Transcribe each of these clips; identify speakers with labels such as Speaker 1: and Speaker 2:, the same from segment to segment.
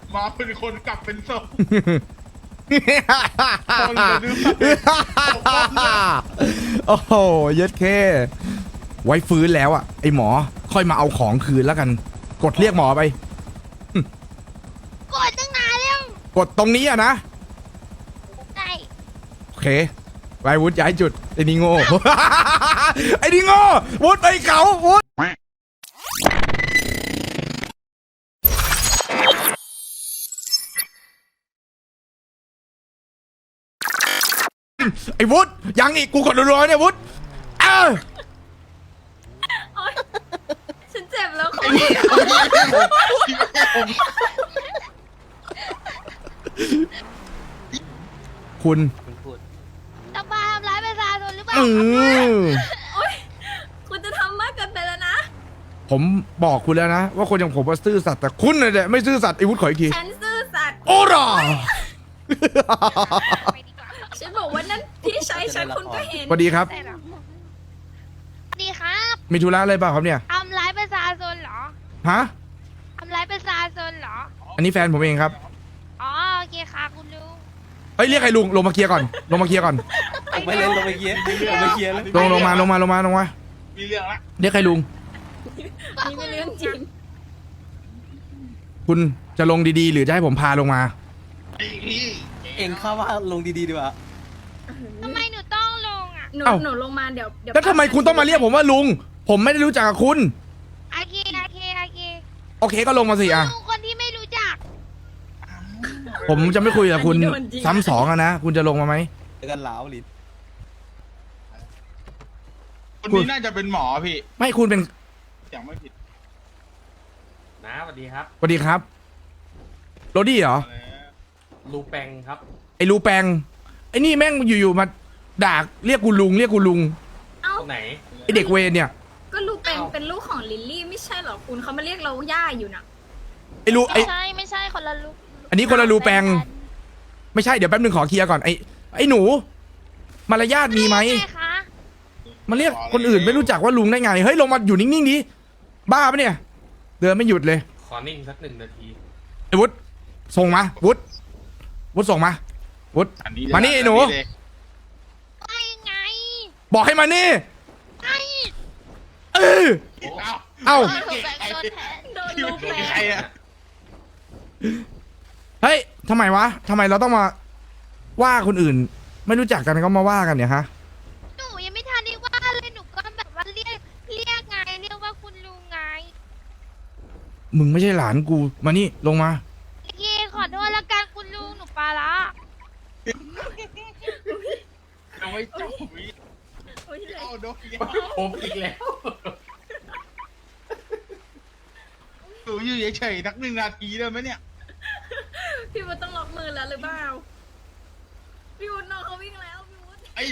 Speaker 1: มาเป็นคนกลับเป็นศพ
Speaker 2: โอ้โหเย็ดเคไว้ฟื้นแล้วอ่ะไอหมอค่อยมาเอาของคืนแล้วกันกดเรียกหมอไป
Speaker 3: กดตั้งนานแล้ว
Speaker 2: กดตรงนี้อ่ะนะ
Speaker 3: ได้
Speaker 2: โอเคไปวุฒิย้ายจุดไอ้นี่โง่ ไอ้นี่โง่วุฒิไปเขาวุฒิไอ้วุฒิยังอีกกูกดรัวๆเนี่ยวุฒิ
Speaker 4: ฉันเจ็บแล้วคุณ
Speaker 2: คุณ
Speaker 3: จะมาทำร้ายประชาชนหรือเปล่า
Speaker 4: โอ๊ยคุณจะทำมากเกินไปแล้วนะ
Speaker 2: ผมบอกคุณแล้วนะว่าคนอย่างผมว่าซื่อสัตย์แต่คุณน่ะเนี่ยไม่ซื่อสัตย์ไอ้วุฒิขออีกที
Speaker 4: ฉันซื่อสัตย์
Speaker 2: โอ้ร่า
Speaker 4: ฉันบอกว่านั่นพี่ชายฉันคุณก็เห็น
Speaker 2: สวัสดีครับ
Speaker 3: ได้หรอดีครับ
Speaker 2: มีธุระอะไรเปล่าครับเนี่ย
Speaker 3: ทำร้ายประชาชนเหรอ
Speaker 2: ฮะ
Speaker 3: ทำร้ายประชาชนเหรอ
Speaker 2: อันนี้แฟนผมเองครับ
Speaker 3: อ๋อโอเคค่ะคุณลุง
Speaker 2: เฮ้ยเรียกใครลุงลงมาเคลียร์ก่อนลงมาเคลียร์ก่อน
Speaker 5: ไม่เล่นลงไปเคลียร์ลงไปเคลียร์แล้ว
Speaker 2: ลงมาลงมาลงมาลงมา
Speaker 1: มีเรื่องละ
Speaker 2: เรียกใครลุง
Speaker 4: นี่เป็นเรื่องจริง
Speaker 2: คุณจะลงดีๆ หรือจะให้ผมพาลงมา
Speaker 1: ไอ้พี่
Speaker 5: เองเข้าว่าลงดีๆดีกว่า
Speaker 3: ทำไมหนูต้องลงอ่ะ
Speaker 4: หนู
Speaker 2: เอ้า
Speaker 4: หนูลงมาเดี๋ยว
Speaker 2: แล้วทำไมคุณต้องมาเรียกผมว่าลุง ผมไม่ได้รู้จักกับคุณ
Speaker 3: โอเคโอเคโอเค
Speaker 2: โอเคก็ลงมาสิอ่ะ
Speaker 3: ลุงคนที่ไม่รู้จัก
Speaker 2: ผมจะไม่คุยกับคุณซ้ำสองอะนะ คุณจะลงมาไหม
Speaker 5: เจอกันหลาวลิ้น
Speaker 1: คนนี้น่าจะเป็นหมอพี่
Speaker 2: ไม่คุณเป็น
Speaker 1: อย่างไม่ผิด
Speaker 6: นะสวัสดีครับ
Speaker 2: สวัสดีครับโรดี้เหรอ
Speaker 6: ลูแปงครับ
Speaker 2: ไอ้รูแปงไอ้นี่แม่งอยู่ๆมาด่าเรียกกูลุงเรียกกูลุง
Speaker 4: เอ้า
Speaker 6: คนไหน
Speaker 2: ไอ้เด็กเวรเนี่ย
Speaker 4: ก็ลูกเป็นลูกของลิลลี่ไม่ใช่เหรอคุณเขามาเรียกเราย่าอยู่นะ
Speaker 2: ไอ้รูไอ้
Speaker 3: ไม่ใช่คนละลุง
Speaker 2: อันนี้คนละรูแปงไม่ใช่เดี๋ยวแป๊บนึงขอเคลียร์ก่อนไอ้หนูมารยาทมีไหม
Speaker 3: ใช่คะ
Speaker 2: มาเรียกคนอื่นไม่รู้จักว่าลุงได้ไงเฮ้ยลงมาอยู่นิ่งๆดิบ้าปะเนี่ยเดินไม่หยุดเลย
Speaker 6: ขอนิ่งสัก1 นาที
Speaker 2: ไอ้วุฒิส่งมาวุฒิส่งมาวุฒิมานี่ไอ้หนู
Speaker 3: ไม่ไง
Speaker 2: บอกให้มานี่
Speaker 3: ไอ้
Speaker 2: เออเอ้า
Speaker 3: โดนแบ่งโดนแทน
Speaker 4: โดน
Speaker 1: พี่
Speaker 4: ลูก
Speaker 1: เป็น
Speaker 4: แป
Speaker 1: ใครอะ
Speaker 2: เฮ้ยทำไมวะทำไมเราต้องมาว่าคนอื่น ไม่รู้จักกันก็มาว่ากันเนี่ยฮะ
Speaker 3: หนูยังไม่ทันได้ว่าเลยหนูก็แบบว่าเรียกไงเรียกว่าคุณลุงไง
Speaker 2: มึงไม่ใช่หลานกูมานี่ลงมา
Speaker 3: โอเคขอโทษละกันคุณลุงหนูปลาละ
Speaker 1: เอาไว้จับวิ
Speaker 4: โอ๊ยเลย
Speaker 1: เอาโดนยา
Speaker 6: ผมอีกแล้ว
Speaker 1: หนูอยู่เฉยๆนัก1 นาทีได้ไหมเนี่ย
Speaker 4: พี่วุฒิต้องล็อกมือแล้วหรือเปล่าพี่วุฒิน้องเขาวิ่งแล้วพี่วุฒิ
Speaker 1: ไอ้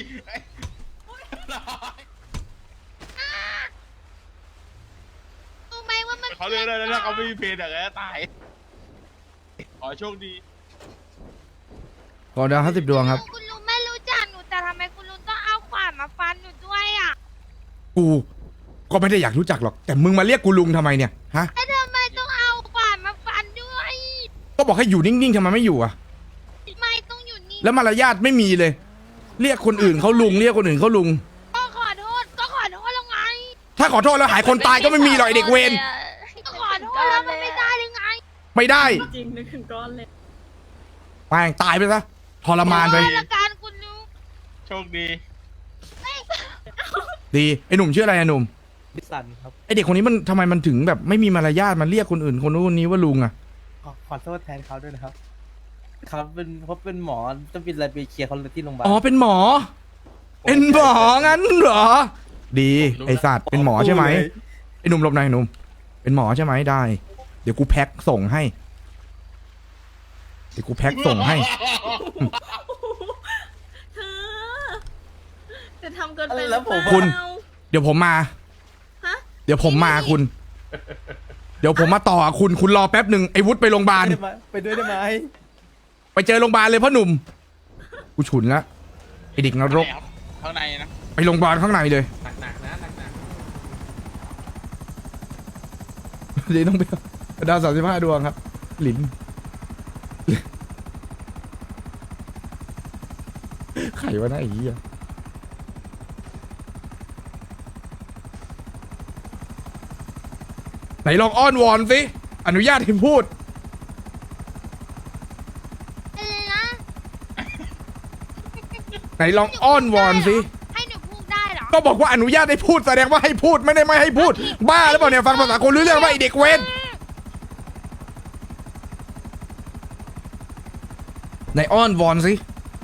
Speaker 3: รู้ไหมว่ามัน
Speaker 1: เขาเลยแล้วนะเขาไม่มีเพลงแต่ก็ตาย ขอโชคดี
Speaker 2: ขอดาว50 ดวงครับ
Speaker 3: คุณลุงไม่รู้จักหนูแต่ทำไมคุณลุงต้องเอาขวานมาฟันหนูด้วยอ่ะ
Speaker 2: กูก็ไม่ได้อยากรู้จักหรอกแต่มึงมาเรียกกูลุงทำไมเนี่ยฮะ
Speaker 3: แล้วทำไมต้องเอาขวานมาฟันด้วย
Speaker 2: ก็บอกให้อยู่นิ่งๆทำไมไม่อยู่อะ
Speaker 3: ไม่ต้องอยู่นี่
Speaker 2: แล้วมารยาทไม่มีเลย เรียกคนอื่นเขาลุงเรียกคนอื่นเขาลุง
Speaker 3: ก็ขอโทษแล้วไง
Speaker 2: ถ้าขอโทษแล้วหายคนตายก็ไม่มีหรอกไอเด็กเวร
Speaker 3: ก็ขอโทษแล้วมันไม่ได้หรือไง
Speaker 2: ไม่ได้
Speaker 4: จริงนึกถึงก้อนเลย
Speaker 2: แม่งตายไปซะทรมานไป
Speaker 3: ขอโทษละกันคุณลุง
Speaker 1: โชคดี
Speaker 2: ดีไอหนุ่มชื่ออะไรอะหนุ่ม
Speaker 5: ดิสันครับ
Speaker 2: ไอเด็กคนนี้มันทำไมมันถึงแบบไม่มีมารยาทมันเรียกคนอื่นคนนู้นคนนี้ว่าลุงอะ
Speaker 5: ขอโทษแทนเขาด้วยนะครับเขาเป็นหมอต้องเป็นอะไรไปเคลียร์เขาที่โรงพยาบาล
Speaker 2: อ๋อเป็นหมอ เป็นหมองั้นเหรอ ดีไอสัตว์เป็นหมอใช่ไหมไอหนุ่มหลบหน่อยหนุ่มเป็นหมอใช่ไหมได้ เดี๋ยวกูแพ็คส่งให้เดี๋ยวกูแพ็คส่งให้
Speaker 4: เธอจะทำเกินไป
Speaker 5: แล้วผม
Speaker 2: คุณ
Speaker 4: เปล่า
Speaker 2: เดี๋ยวผมมา
Speaker 4: ฮะ
Speaker 2: เดี๋ยวผมมาคุณ เดี๋ยวผมมาต่อคุณรอแป๊บหนึ่งไอ้วุฒิไปโรงพยาบาล
Speaker 5: ไปด้วยได้ไหม
Speaker 2: ไปเจอโรงพยาบาลเลยพ่อหนุ่มกูฉุนละไอ้เด็กนรก
Speaker 1: ข้างในนะ
Speaker 2: ไปโรงพยาบาลข้างในเลย
Speaker 6: หนักๆนะหนัก
Speaker 2: เดี๋ยวต้องไปดาว35 ดวงครับ หลินรวะนะไอ้เหี้ยไหนลองอ้อนวอนสิอนุญาตให้พูด
Speaker 3: อะไรนะ
Speaker 2: ไหนลองอ้อนวอนสิ
Speaker 3: ให้หนูพูดได้เหรอ
Speaker 2: ก็บอกว่าอนุญาตให้พูดแสดงว่าให้พูดไม่ได้ไม่ให้พูด บ้าหรือเปล่าเนี่ยฟังภาษาคนรู้เรื่องว่าไอเด็กเวนไหนอ้อนวอนสิ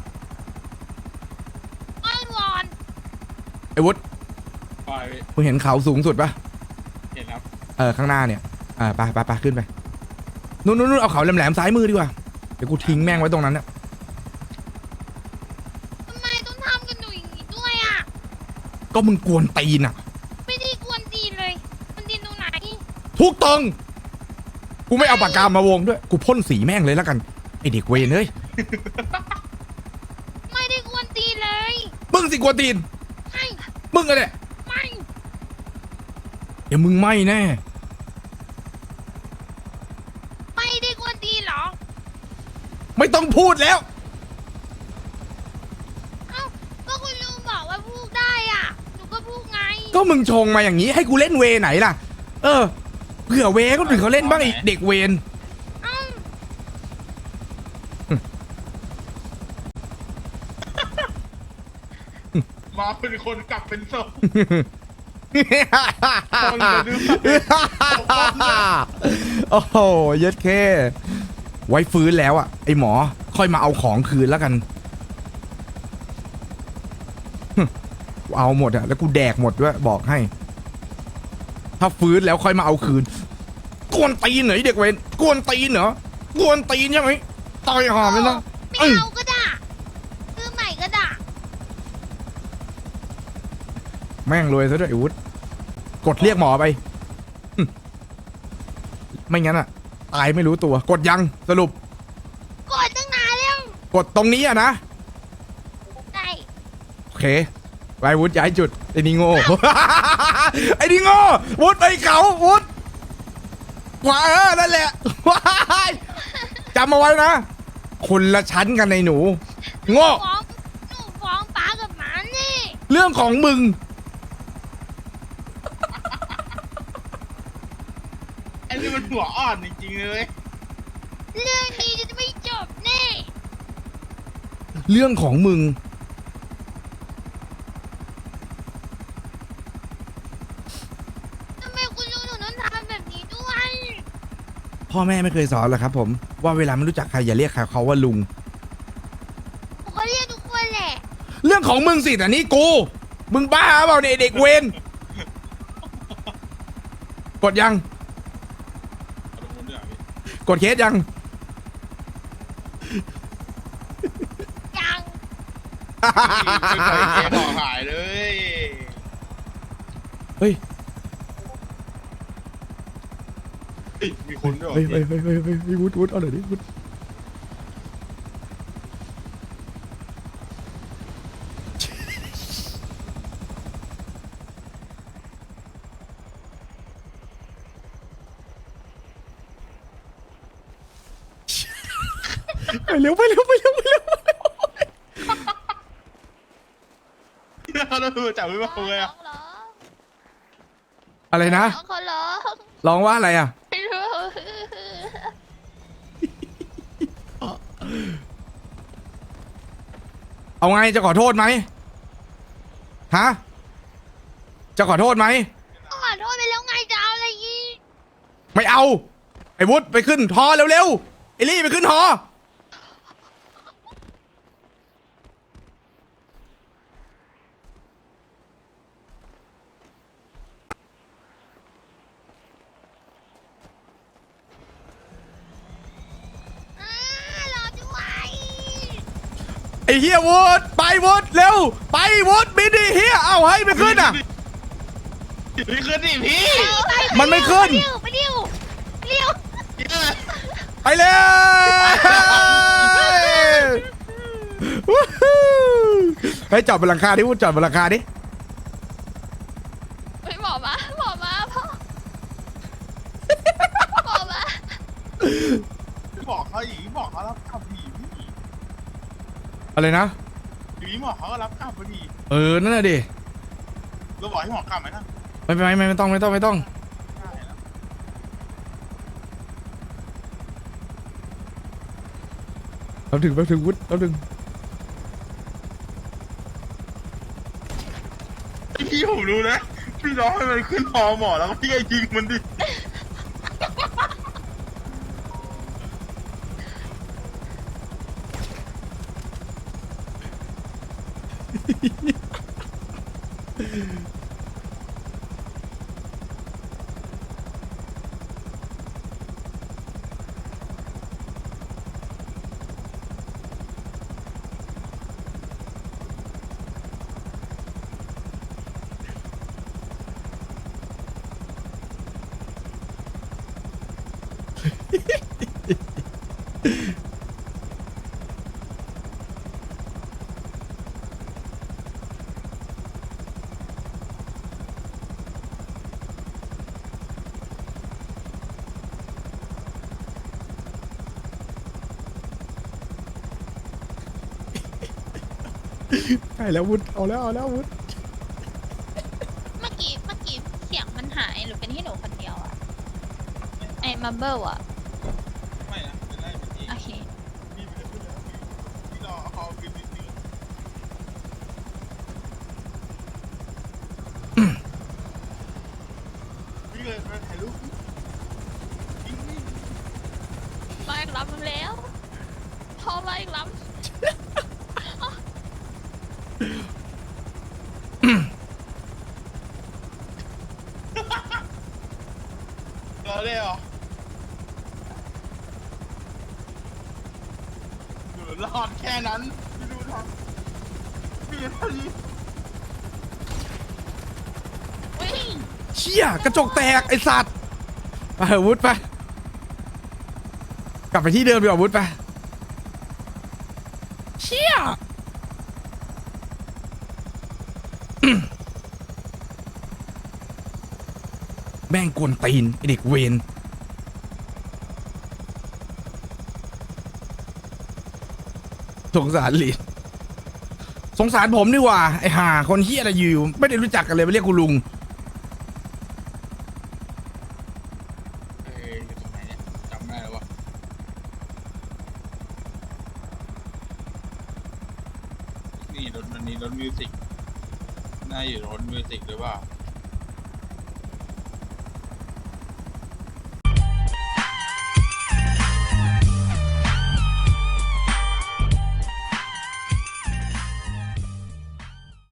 Speaker 3: อ้อนวอน
Speaker 2: ไอ้วุฒิ
Speaker 1: ปล่อยไป
Speaker 2: มึงเห็นเขาสูงสุดปะ
Speaker 1: เห็นครับ
Speaker 2: ข้างหน้าเนี่ยไปขึ้นไปนู่นเอาเขาแหลมๆซ้ายมือดีกว่าเดี๋ยวกูทิ้งแม่งไว้ตรงนั้นเนี่ย
Speaker 3: ทำไมต้องทำกับหนูอย่างนี้ด้วยอ่ะ
Speaker 2: ก็มึงกวนตีนอ่ะ
Speaker 3: ไม่ได้กวนตีนเลย มันตีนตรงไหน
Speaker 2: ทุกตรงกูไม่เอาปากกามาวงด้วยกูพ่นสีแม่งเลยแล้วกันไอเด็กเวนเฮ้ย
Speaker 3: ไม่ได้กวนตีนเลย
Speaker 2: มึงสิกวนตีน
Speaker 3: ไม่
Speaker 2: มึงอะเนี่ย
Speaker 3: ไม่
Speaker 2: เดี๋ยวมึงไม่แน่
Speaker 3: ไม่ได้กวนตีนเหรอ
Speaker 2: ไม่ต้องพูดแล้ว
Speaker 3: เอ้า ก็คุณลุงบอกว่าพูดได้อ่ะ หนูก็พูดไง
Speaker 2: ก็มึงชงมาอย่างนี้ให้กูเล่นเวไหนล่ะ เผื่อเวก็ถึงเขาเล่นบ้างไอเด็กเวน
Speaker 3: เอ้า
Speaker 1: มาเป็นคนกลับเป็นศพ
Speaker 2: โอ้โหเย็ดเคไว้ฟื้นแล้วอ่ะไอหมอค่อยมาเอาของคืนแล้วกันกูเอาหมดอ่ะแล้วกูแดกหมดด้วยบอกให้ ถ้าฟื้นแล้วค่อยมาเอาคืนกวนตีนเหรอไอ้เด็กเวนกวนตีนเหรอกวนตีนใช่ไหมต่อยหอมเลยนะ
Speaker 3: ไม่เอาก็ได้ซื้อใหม่ก็ได้
Speaker 2: แม่งรวยซะด้วยไอ้วุฒิกดเรียกหมอไปไม่งั้นอ่ะตายไม่รู้ตัวกดยังสรุป
Speaker 3: กดตั้งนานแล้ว
Speaker 2: กดตรงนี้อ่ะนะ
Speaker 3: ได้
Speaker 2: โอเคไปวุฒิย้ายจุดไอ้นี่โง่ ไอ้นี่โง่วุฒิไปเขาวุฒิขวานั่นแหละ ว้ายจำเอาไว้นะคนละชั้นกันในหนูโง่
Speaker 3: หนูฟ้องป้ากับหมานี่
Speaker 2: เรื่องของมึง
Speaker 1: ไอ้นี่มันหัวอ่อนจริงๆเลย
Speaker 3: เรื่องนี้จะไม่จบแน่
Speaker 2: เรื่องของมึง
Speaker 3: ทำไมคุณลุงถึงต้องทำแบบนี้ด้วย
Speaker 2: พ่อแม่ไม่เคยสอนหรอกครับผมว่าเวลาไม่รู้จักใครอย่าเรียกเขาว่าลุง
Speaker 3: ผมก็เรียกทุกคนแหละ
Speaker 2: เรื่องของมึงสิแต่นี่กูมึงบ้าเปล่าเนี่ยเด็กเวนกดยัง
Speaker 1: เอาตรงนู้นด้วยเหรอพี่
Speaker 2: กดเคสยัง
Speaker 3: ยัง
Speaker 1: ไม่เคยเจ๊บอกหายเลย
Speaker 2: เฮ้ย
Speaker 1: เฮ้ยมีคนด้วยเหรอ
Speaker 2: เฮ้ย
Speaker 1: พี่
Speaker 2: เฮ้ยวุฒิเอาหน่อยดิวุฒิไปเร็ว
Speaker 1: เราดูจับไม่มาเลยอะ
Speaker 3: ร้อง
Speaker 2: อะไรนะ
Speaker 3: เขาร้อง
Speaker 2: ร้องว่าอะไรอ่ะ
Speaker 3: ไม่รู้
Speaker 2: เอาไงจะขอโทษไหมฮะจะขอโทษไหม
Speaker 3: ก็ขอโทษไปแล้วไงจะเอาอะไรอีก
Speaker 2: ไม่เอาไอ้วุฒิไปขึ้นฮอเร็วๆไอ้ลี่ไปขึ้นฮอ
Speaker 3: รอด้วย
Speaker 2: ไอ้เฮียวุฒิไปวุฒิเร็วไปวุฒิบินดิเฮียเอาให้ไปขึ้นอ่ะ
Speaker 1: พี่ขึ้นดิพี่
Speaker 2: มันไม่ขึ้น
Speaker 3: ไปเร็ว
Speaker 2: ไปเลยให้จอดบนหลังคาดิวุฒิจอดบนหลังคาดิ
Speaker 3: ไปหมอมาพ่อหมอมา
Speaker 1: บอกเขาอีกบอกเขาแล้วขับผีพี่
Speaker 2: อะไรนะ
Speaker 1: พี่ทีนี้หมอเขาก็รับกลับพอดี
Speaker 2: นั่นแหละดิ
Speaker 1: เราบอกให้หมอกลับไหมนะ
Speaker 2: ไม่ต้อง
Speaker 1: ได้แล้ว
Speaker 2: เราถึงวุฒิเราถึง
Speaker 1: ไอพี่ผมรู้นะพี่ร้องให้มันขึ้นหอหมอแล้วก็พี่ไอ้ยิงมันดิ
Speaker 2: ใช่แล้ววุฒิเอาแล้ววุฒิ
Speaker 3: เมื่อกี้เสียงมันหายหรือเป็นที่หนูคนเดียวอะไอ้มัมเบิลอะ
Speaker 1: ไม่นะจะได้เป็นที่
Speaker 3: โอเค
Speaker 1: พี่ไม่ได้พูดแล้วพี่รอเขาคืนนิดนึงพี่เลยไปถ่ายรูปยิงนี่
Speaker 3: มาอีกลำแล้วพอมาอีกลำ
Speaker 1: รอได้เหรอหนูรอดแค่นั้นพี่ดูทำพี่เท่านี้
Speaker 2: เชี่ยกระจกแตกไอสัตว์ไปเถอะวุฒิไปกลับไปที่เดิมดีกว่าวุฒิไปเชี่ย แม่งกวนตีนไอเด็กเวนสงสารลีดสงสารผมดีกว่าไอห่าคนเฮียอะไรอยู่ไม่ได้รู้จักกันเลยไปเรียกกูลุง
Speaker 1: อยู่ตรงไหนเนี่ยจำได้แล้ววะนี่รถมิวสิกน่าอยู่รถมิวสิกหรือเปล่า